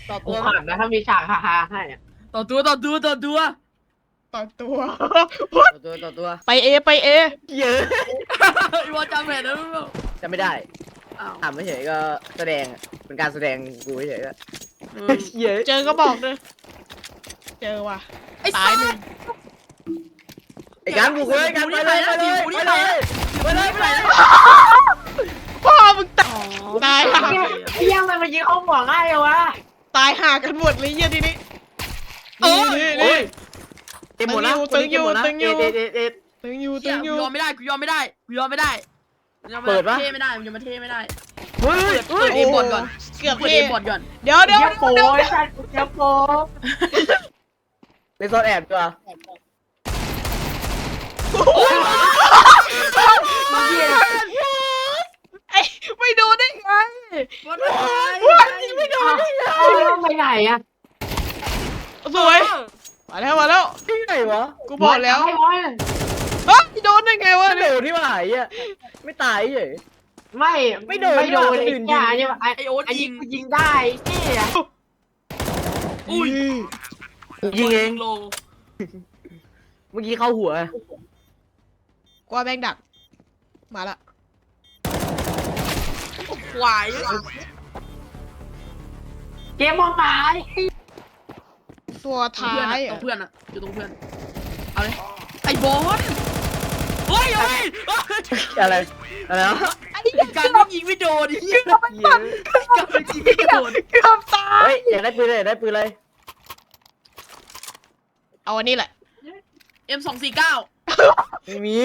ต่อกูตัวขำนะถ้ามีฉากฮาๆให้อะต่อตัวต่อตัวต่อตัวไปเอเยอะอีวอจำแผนแล้วมั้งจำไม่ได้อ้าวถามไม่เฉยก็แสดงเป็นการแสดงกูเฉยก็ เยอะเจอก็บอกเลยเจอว่ะไอ้ตายหนึ่งไอ้การบุกเลยการไปเลยไปเลยไปเลยไปเลยพ่อมึงตายห่าไอ้เหี้ยังมันยิงเข้าหัวง่ายเลยวะตายห่ากันหมดเลยเยี่ยทีนี้โอ้นี่ยเต็มหมดแล้วตึงอยู่ตึงอยู่ตึงอยู่กูยอมไม่ได้กูยอมไม่ได้เปิดปะเท่ไม่ได้มันจะมาเท่ไม่ได้เฮ้ยเปิดเอบอดก่อนเกือบเปิดเท่เอบอดก่อนเดี๋ยวเดี๋ยวโป้ยสัตว์เดี๋ยวโป้ในโซนแอบตัวไอ้ไม่โดนได้ไงวันยิงไม่โดนได้ไงเอาไปไหนอะสวยมาแล้วที่ไหนวะกูบอกแล้วไม่ร้อยเฮ้ยโดนได้ไงวะไม่โดนที่ว่าไอ้อ่ะไม่ตายเฉยไม่โดนไอ้จ่าเนี่ยไอ้ไอโอ๊ตไอ้ยิยิงงยิงได้เนี่ยอุ้ยยิงเองโลเมื่อกี้เข้าหัวกว่าแบงดักมาละควายเกมมองตายตัวท้ายตรงเพื่อนอะอยู่ตรงเพื่อนเอาเลยไอ้บอลเฮ้ยอะไรวะการไม่ยิงไม่โดนดิการไม่ยิงไม่โดนเกือบตายเฮ้ยอยากได้ปืนเลยได้ปืนเลยเอาอันนี้แหละ M249 ไม่มี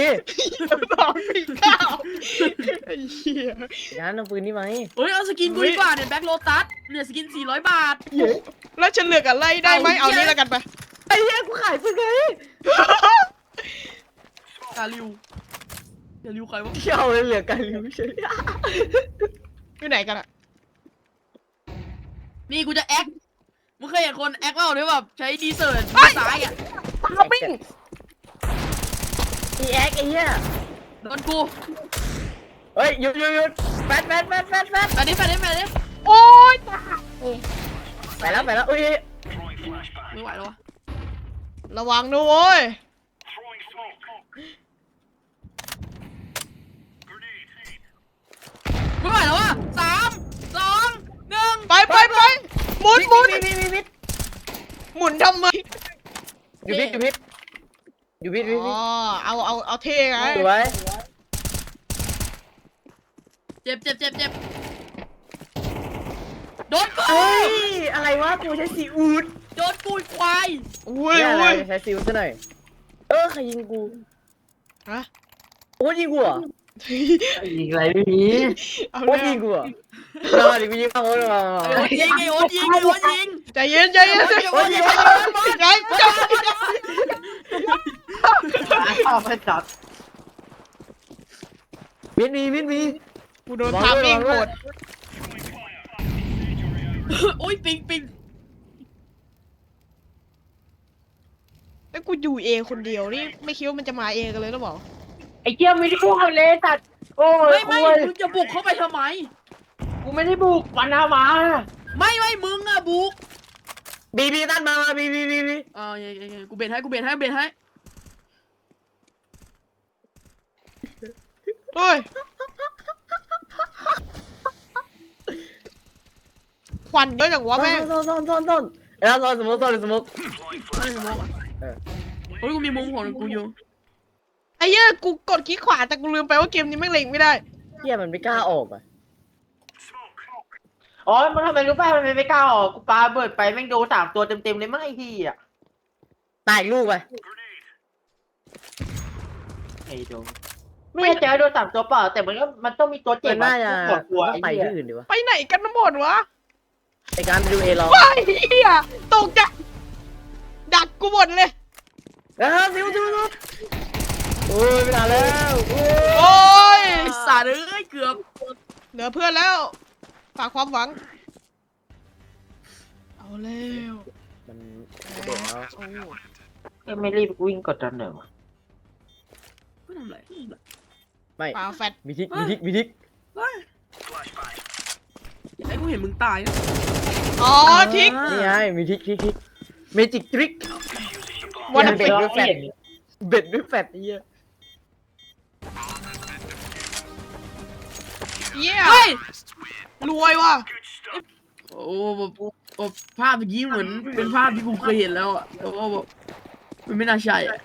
ไอ้เหี้ยงั้นเอาปืนนี่ไหมเฮ้ยเอาสกินกูดีกว่าเนี่ยแบ็คโลตัสเนี่ยสกิน400 บาทแล้วฉันเลือกอะไรได้ไหมเอานี้แล้วกันไปไอ้เหี้ยกูขายปืนไงกาลิวใครวะเที่ยวเลยเหลือกันริวเฉยอยู่ไหนกันอะนี่กูจะแอคมึงเคยเห็นคนแอคเปล่าหรือแบบใช้ดีเซิร์ตซ้ายอ่ะเราปิ้งอีแอ็กไอ้เหี้ยโดนกูเฮ้ยหยุดแฟดไปดิโอ๊ยไปแล้วอุ้ยไม่ไหวแล้ววะระวังนะโว้ยไม่ไหวแล้ววะ3 2 1 ไปหมุนวิทหมุนทำไมอยู่พิษอ๋อเอาเท่ไงสวยเจ็บโดนกูเฮ้ยอะไรวะกูใช้ซีอูดโดนกูควายอุ้ยอะไรใช้ซีอูดซะหน่อยใครยิงกูฮะโอ้ยิงกูเหรอยิงอะไรไม่มีเอาโอ้เลยยิงกูเหรอมาดิกูยิงเขาเลยมาไอ้โอ๊ตยิงใจเย็นใจเย็นโอ้ยิงใจเอาไปจับมีกูโดนทำเองโกรธโอ้ยปิงไอ้กูอยู่เองคนเดียวนี่ไม่คิดว่ามันจะมาเองกันเลยหรือเปล่าไอ้เกี้ยไม่ได้บุกเลยสัตว์โอ้ยไม่มึงจะบุกเข้าไปทำไมกูไม่ได้บุกวันนามาไม่มึงอะบุกบีตันมาบีกูเบนให้เฮ้ยควันเยอะจังวะแม่งต้นแล้วสมมติไม่สมองอ่ะโอ้ยกูมีมุมของกูอยู่ไอ้เหี้ยกูกดคลิกขวาแต่กูลืมไปว่าเกมนี้แม่งเล็งไม่ได้เฮียมันไม่กล้าออกอ่ะอ๋อมันทำไมรู้ป่ะมันไม่กล้าออกกูปาเบิดไปแม่งโดน3 ตัวเต็มเลยมั้งไอ้ที่อ่ะตายลูกไปไอ้โดนไม่เจอโดน3 ตัวเปล่าแต่มันต้องมีตัวเจ็บน่าจะปวดหัวไปไอ้ที่เหี้ยอื่นดีวะไปไหนกันหมดวะไอการไปดูเอรอว้ายเหี้ยตกใจดักกูหมดเลยซิวโอ้ยไม่ได้แล้วโอ้ยไอ้สัตว์เอ้ยเกือบเหลือเพื่อนแล้วฝากความหวังเอาแล้วมันเด็กแล้วโอ้ไม่รีบวิ่งกดดันหน่อยวะไม่ทำไรไม่ปาแฟดมีทิกไอ้กูเห็นมึงตายนะอ๋อทิกนี่ไงมีทิกเมจิกทริกวันเบ็เป็ดนด้วยแฟตเบ็ดด้วยแฟตไอ้เหี้ยเยี่ยเฮ้ยรวยว่ะโอ้แบบภาพเมื่อกี้เหมือนเป็นภาพที่กูเคยเห็นแล้วอะแต่ว่าแบบมันไม่น่าใช่อะ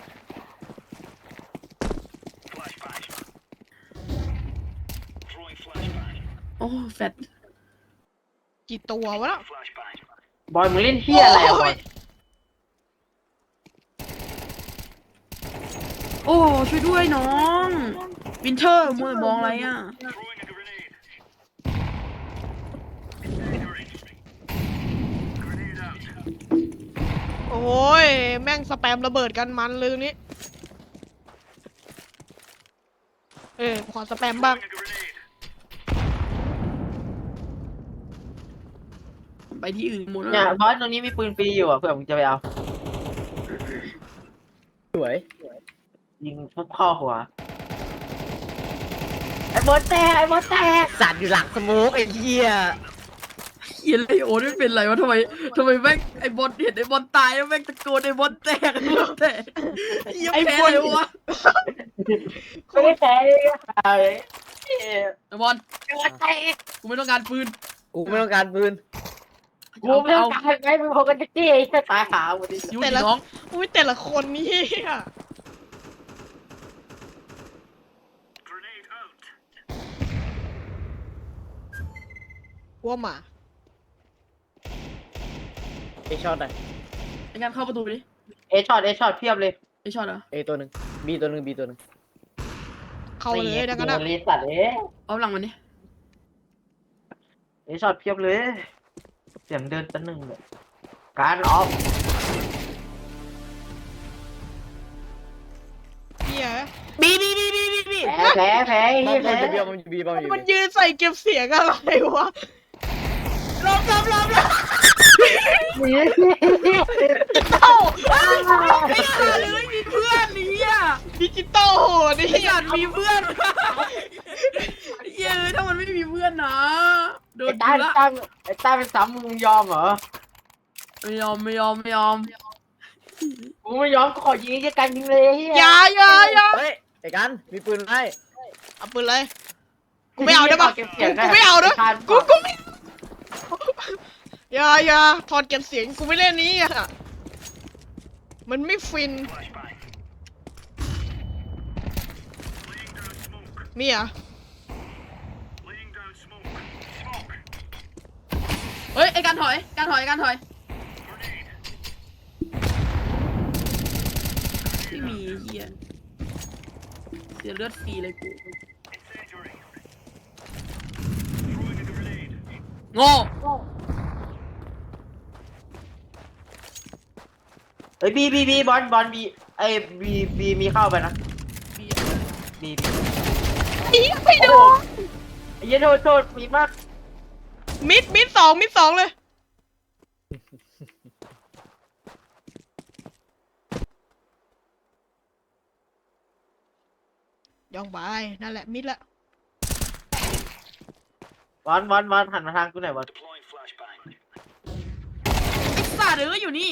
โอ้แฟตกี่ตัววะน่ะบอยมึงเล่นเฮียอะไรอะบอยโอ้ช่วยด้วยน้องวินเทอร์มัวแต่มองอะไรอ่ะโอ้ยแม่งสแปมระเบิดกันมันเลยนี้ขอสแปมบ้างไปที่อื่นหมดแล้วเนี่ยบอยตรงนี้มีปืนฟรีอยู่อ่ะเผื่อมึงจะไปเอาสวยยิงทุบข้อหัวไอ้บอสแตกไอ้บอสแตกสัตว์อยู่หลังสโมกไอ้เหี้ยเฮียเลยโอ้ไม่เป็นไรวะทำไมแม่งไอ้บอลเห็นไอ้บอลตายแล้วแม่งตะโกนไอ้บอลแตกไอ้บอลแตกเฮียแพ้เลยวะไม่ได้แพ้เลยไอ้บอลไอ้บอสแตกกูไม่ต้องการปืนกูไม่ต้องการปืนกูไม่ต้องการไงมึงพอกันจะจี้ไอ้ตายหาหมดดิยูดิน้องอุ้ยแต่ละคนนี่ว่าหมาเอช็อตอ่ะไอ้การเข้าประตูไปดิเอช็อตเพียบเลยไอ้ช็อตเหรอเอตัวหนึ่งบีตัวหนึ่งบีตัวหนึ่งเข้าเลยดังนั้นอะรีสัตว์เอ๊ะเอาหลังมันดิเอช็อตเพียบเลยเสียงเดินตะหนึ่งเลยการออฟเหี้ยบีแพ้บอมแพ้จะบีบอมจะบีบอมจะมันบียืนใส่เก็บเสียงอะไรวะลมเอ้าไม่ได้เลยมีเพื่อนนี่อ่ะดิจิตอลโหดนี่ไอ้สัตว์มีเพื่อนเย้ถ้ามันไม่มีเพื่อนนะโดไอ้นต้าละไอ้ต้าเป็นซ้ำมึงยอมเหรอไม่ยอมกูไม่ยอมกูขอยิงไอ้กันยิงเลยอย่าเฮ้ยไอ้กันมีปืนให้เอาปืนเลย กูไม่เอาได้ปะเก็บเสียงกูไม่เอาด้วยทานกูไม่อย่าถอดเก็บเสียงกูไม่เล่นนี้อ่ะมันไม่ฟินมีอ่ะเฮ้ยไอ้การถอยไม่มีเฮียเสียเลือดฟรีเลยกูโง่เฮ้ยบีบอลบีไอ้บีมีเข้าไปนะบีไม่โดนไอ้เหี้ยโทษมีมากมิดสองเลยย่องไปนั่นแหละมิดละบอลหันมาทางกูหน่อยบอลไอ้สัตว์อยู่นี่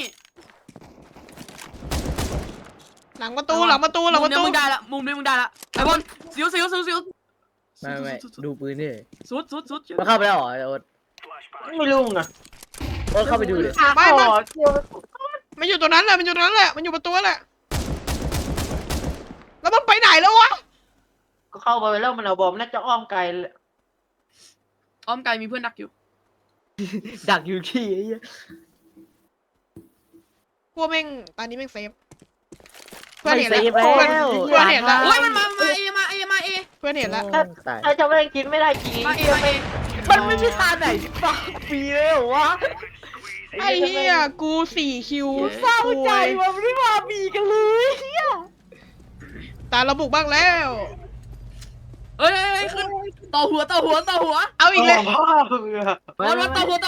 หลังประตูหลังประตูมุมนี้มึงได้ละไอ้บอลสิวไม่ดูปืนนี่สุดมันเข้าไปแล้วเหรอโอ๊ตไม่รู้ไงโอ๊ตเข้าไปดูดิไม่เกี่ยวมันอยู่ตรงนั้นแหละมันอยู่ประตูแหละแล้วมันไปไหนแล้ววะก็เข้าไปแล้วมันเอาบอมน่าจะอ้อมไกลอ้อมไกลมีเพื่อนดักอยู่ดักอยู่ขี้ไอ้เหี้ยพวกแม่งตอนนี้แม่งเซฟเพื่อนไม่เห็นเซแล้วฟแล้วเพื่อนเห็นแล้วโอ้ยมันมาเอเพื่อนเห็นแล้วตายถ้าจะไม่กินไม่ได้จริงมาเอมันไม่มีทางไหนที่ปากฟรีเลยเหรอวะไอ้เหี้ยกู4 คิวเศร้าใจว่ะไม่ได้มาบีกันเลยเหี้ยตาระบุบ้างแล้วเอ้ยขึ้นต่อหัวเอาอีกเลยพ่อมึงอะบอลต่อหัว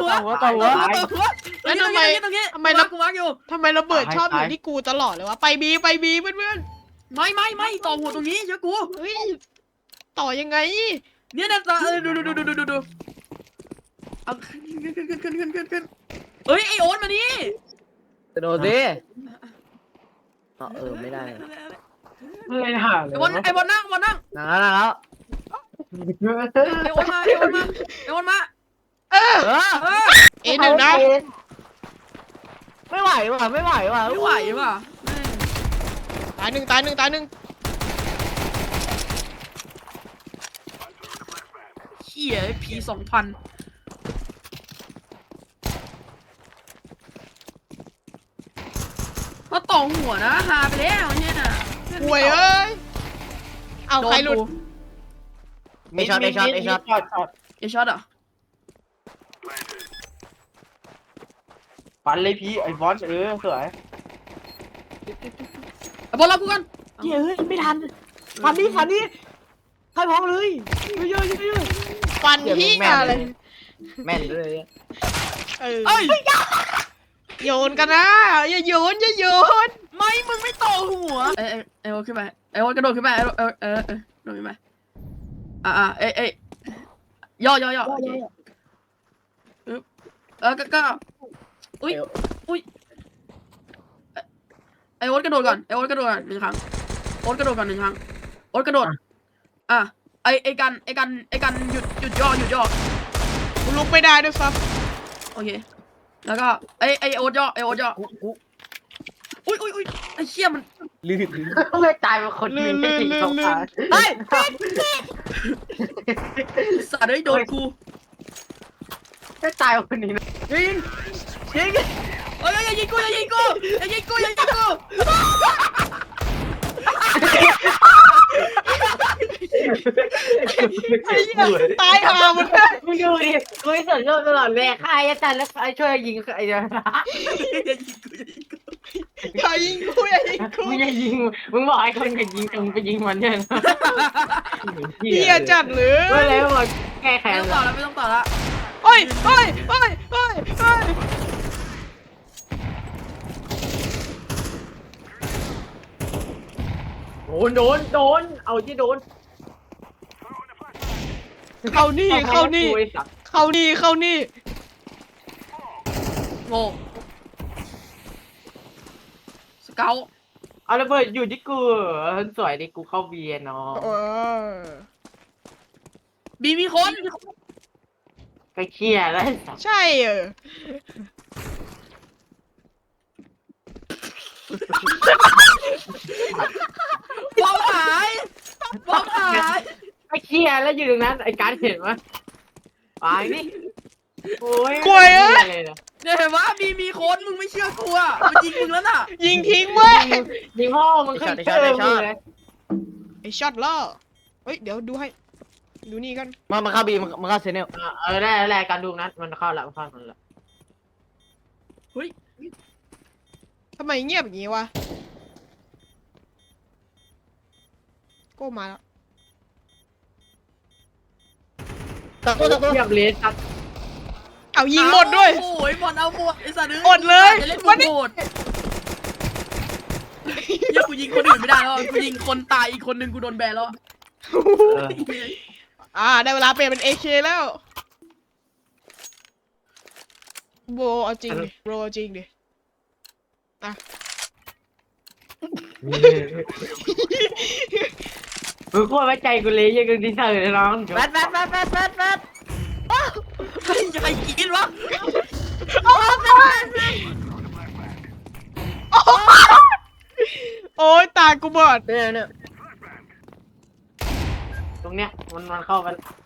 แล้วทำไมตรงนี้ กูวักอยู่ทำไมระเบิดชอบอยู่ที่กูตลอดเลยวะไปบีเพื่อนไม่ต่อหัวตรงนี้เชื่อกูๆเฮ้ยต่อยังไงเนี่ยดูเอาขึ้นเอ้ยไอโอ๊ตมานี่กระโดดดิไม่ได้ไม่หาเลยไอบอลนั่งนั่งแล้วไอโอ๊ตมาเออเอหนึ่งนะไม่ไหวว่ะไม่ไหวว่ะตายหนึ่งเหี้ยผี2,000ก็ต่อหัวนะหาไปแล้วเนี่ยห่วยเอ้ยเอาใครหลุดไอช็อตเอช็อตอ่ะปันเลยพี่ไอ้บอสสวยบอลรับกูกันเฮ้ยไม่ทันฟันนี่ให้พร้อมเลยเยอะฟันที่อะไรแม่นเลยเออเอ้ยโยนกันนะอย่าโยนไม่มึงไม่ต่อหัวไอโอ๊ตขึ้นไปไอโอ๊ตกระโดดขึ้นไปโดดขึ้นไปย่อโอเคก็อุ้ยไอโอ๊ตกระโดดก่อน1 ครั้งโอ๊ตกระโดดก่อน1 ครั้งโอ๊ตกระโดดไอกันหยุดย่อกูลุกไม่ได้ด้วยซ้โอเคแล้วก็ไอโอ๊ตย่ออุ้ยไอเชี่ยมันลื่นไม่ตายเป็นคนนึงไม่ติดสองขาเฮ้ยสัตว์ได้โดนกูไม่ตายเป็นคนนี้นะยิงเอ้ยอย่ายิงกูำไอ้เหี้ยตายหาหมดเลยมึงดูดิกูไม่สนโลกตลอดเลยใครอาจารย์แล้วใครช่วยยิงไอ้เดียวอย่ายิงกูมึงอย่ายิงมึงบอกไอ้คนอย่ายิงมึงไปยิงมันเนี่ยนะเหี้ยจัดหรือเมื่อไรบอกแก้แค้ไม่นต้องต่อแล้วโอ้ยโดนเอาที่โดนเข้านี่โง่สเกลเอาระเบิดอยู่ที่กูสวยดิกูเข้าเบียร์เนาะบีมีคนไปเคลียร์แล้วใช่บอมหายไปเคลียร์แล้วอยู่ตรงนั้นไอ้การเห็นไหมไปนี่โอ้ยเนี่ยเห็นว่าบีมีคนมึงไม่เชื่อกูอ่ะมันยิงมึงแล้วน่ะยิงทิ้งเว้ยยิงพ่อมึงขึ้นเติมเลยไอช็อตล่อเฮ้ยเดี๋ยวดูให้ดูนี่กันมาเข้าบีมาเข้าเซเนลได้การดูนั้นมันเข้าแล้วมันละเฮ้ยทำไมเงียบอย่างงี้วะโก้มาแล้วตะโกนเทียบเลสครับเอายิงหมดด้วยโอ้ยบอลเอาหมดไอ้สัตว์อดเลยจะเล่นวันนี้โหดยังกูยิงคนอื่นไม่ได้แล้วกูยิงคนตายอีกคนนึงกูโดนแบนแล้วได้เวลาเปลี่ยนเป็นAKแล้วโบเอาจริงดิโบเอาจริงดิอ่ะมึงโคตรไว้ใจกูเลยยังดีเซอร์น้องแบทใครกินวะโอ้ยตากูบอดเนี่ยตรงเนี้ยมันเข้าไป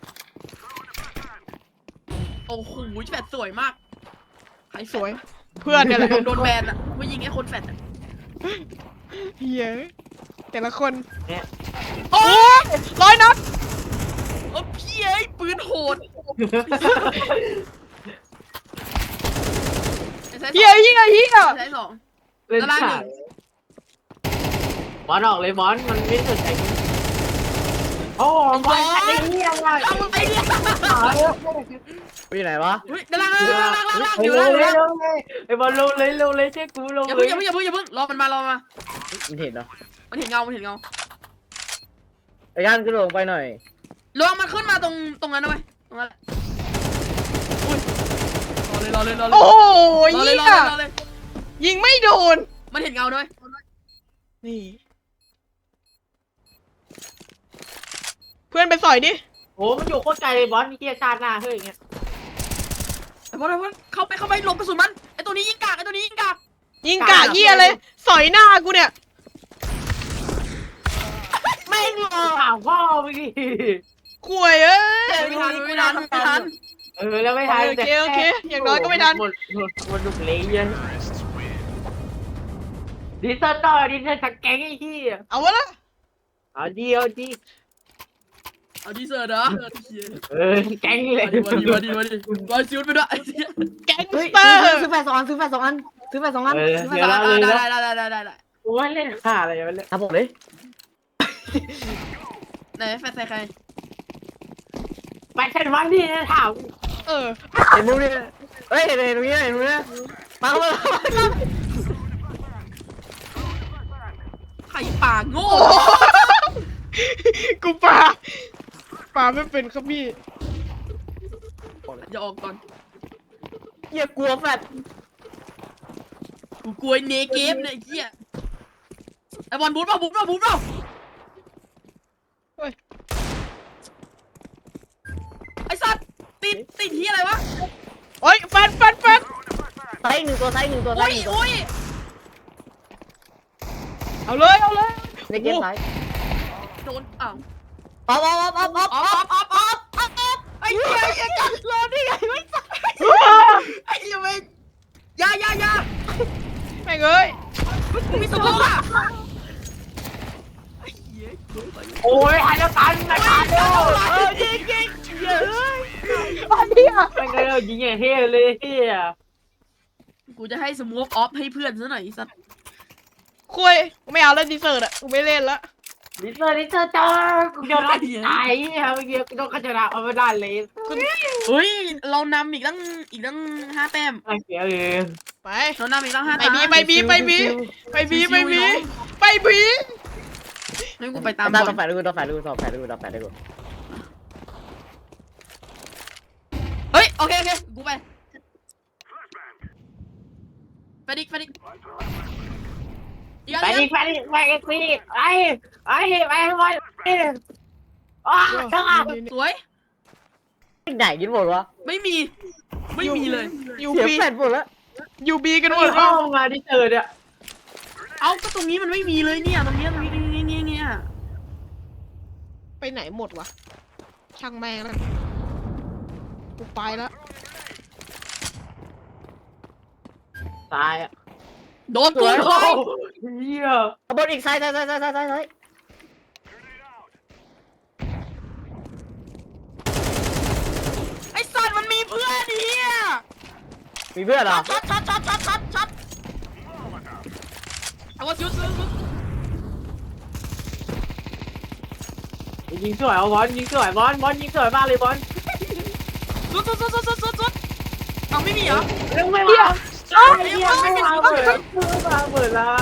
โอ้โหแฟดสวยมากใครสวยเพื่อนเนี่ยแหละโดนแบนอ่ะกูยิงไอ้คนแฟดอ่ะเฮ้ยแต่ละคนเนี่ยโอ้100 นัดโอ้พี่ไอ้ปืนโหดเฮียใช้สองเล่นขาดบอลออกเลยบอลมันไม่สนใจโอ้บอลไอ้เหี้ยว่ะเอามึงไปเนี่ยอยู่ไหนวะเฮ้ยด้านล่างอยู่เร็ล่างวไอ้บอลลงเลยเชื่อกูลงอย่าเลเพิ่งยอย่าเพิ่งรอมันมามันเห็นเหรอมันเห็นเงาไอ้ย่านกระโดดลงไปหน่อยลองมันขึ้นมาตรงนั้นนะเว้ยตรงนั้นโอ้โหรอเลยเหี้ยรอเลยยิงไม่โดนมันเห็นเงาด้วยนี่ เพื่อนไปสอยดิโอ้มันอยู่โคตรไกลเลยบอสนี่เกียร์ชาติหน้าเฮ้ยอย่างเงี้ยไอ้บอลเข้าไปหลบกระสุนมันไอ้ตัวนี้ยิงกากยิงกะเหี้ยเลยสอยหน้ากูเนี่ยไม่งรอถามพ่อไปดิข่วยเอ้ยไม่ทันแล้วไม่ทันโอเคอย่างน้อยก็ไม่ทันหมดดุเลยยังดิเซอร์ต่อดิเซอร์สักแกงไอ้ที่เอาวะล่ะเอาดีเอาดีเซอร์เหรอแกงเลยมาดิบอลซิวไปด้วยแก๊งสเตอร์ซื้อแฟร์2 อันซื้อแฟร์2 อันซื้อแฟร์2 อันได้กูว่าเล่นข่าอะไรวะเนี่ยครับผมเลยไหนแฟร์ใส่ใครไปแค่วันนี้นะถามเออเห็นมุมนี้เฮ้ยเห็นตรงนี้เห็นตรงนี้มาเข้ามาใครป่าโง่กูปาไม่เป็นครับพี่อย่าออกก่อนเหี้ยกลัวแฟดกูกลัวเนเกมเนี่ยไอ้เหี้ยไอ้บอลบูทเปล่าเฮ้ยไอ้สัตว์ติดที่อะไรวะโอ้ยแฟนไซส์1 ตัวไซส์1 ตัวไซส์1 ตัวโอ้ยเอาเลยในเกมไซส์โดนอ้าวออฟไอ้เหี้ยกันรอได้ไงไม่ใช่ไอ้เหี้ยไม่ยาแม่งเอ้ยมีสมองอ่ะโอ้ยหายแล้วกันนะครับยิงเยอะไม่เคยยิงอย่างเฮ้เลยเฮ้ยกูจะให้สโมกออฟให้เพื่อนซะหน่อยไอ้สัตว์คุยกูไม่เอาแล้วดีเซอร์ตอ่ะกูไม่เล่นละดิเซอร์จ้ากูโดนไล่ตายเมื่อกี้กูโดนขจราเอาไม่ได้เลยเฮ้ยเรานำอีกตั้ง5 แต้มไอ้เสียเลยไปเรานำอีกตั้ง5 ไปแต้มบีให้กูไปตามตามบอต่อลแฟดดูต่อแฟดดูเฮ้ยโอเคกูไปดิอีกไปอันดินึงไปข้างหลังสวยไหนกินหมดวะไม่มีเลยยูเสียบีแฟดหมดแล้วยูบีกันหมดเข้ามาดิเซอร์เนี่ยเอาก็ตรงนี้มันไม่มีเลยเนี่ยตรงนี้เนี่ยไปไหนหมดวะช่างแม่งแล้วกูไปแล้วตายอ่ะโดนตัวเฮียบนอีกไซส์ไอ้สัตว์มันมีเพื่อนเฮียมีเพื่อนเหรอช็อตเอาว่าชุดยิงสวยเอาบอลยิงสวยบอลยิงสวยมากเลยบอลชุดเอาไม่มีเหรอเรื่องไม่ว่าเปิดละ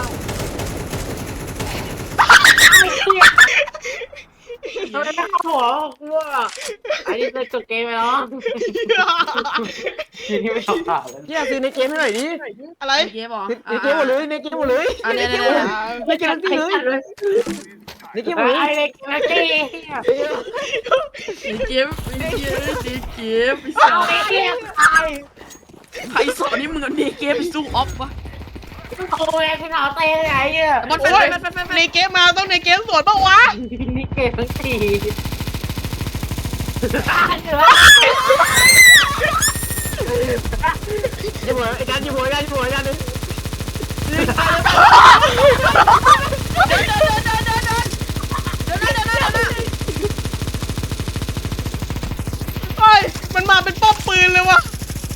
ทำไมไม่เข้าหัวกูอ่ะอันนี้จะจบเกมไปแล้วทีนี้ไม่ทำข่าวแล้วเหี้ยซื้อในเกมให้หน่อยดิอะไรเกมเหรอในเกมหมดเลยในเกมหมดเลยอันนี้ในเกมทั้งที่เลยในเกมหมดเลยไอ้เด็กไอ้เจ๊เกมไอ้สัตว์ไอ้เจ๊ตายใครสอนนี่มึงเอาเกมไปสู้ออฟวะโอ้ยคุณเอาเต้ไหนอ่ะบอลโอ้ยแฟนในเกมมาต้องในเกมสวนปะวะนี่เกมทั้งสี่ตายเหรอยิงหัวไอ้การยิงหัวนึงเฮ้ยมันมาเป็นป้อมปืนเลยวะ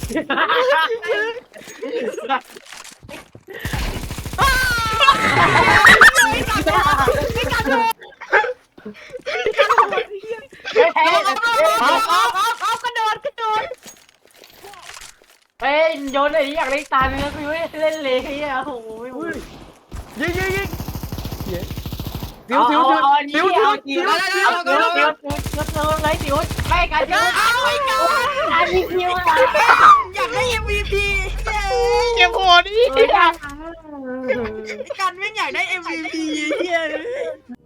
เอากระโดดเฮ้ยโยนไอ้อยากเล่นตาเนื้อกูไม่เล่นเลยไอ้เนี่ยโอ้โหไม่พูดยิงซิวเลยสิวไม่กันสิวอันนี้สิวอะไรอยากได้ MVP เก็บโหดดิเฮ้ยไอ้กันแม่งอยากได้ MVP เฮีย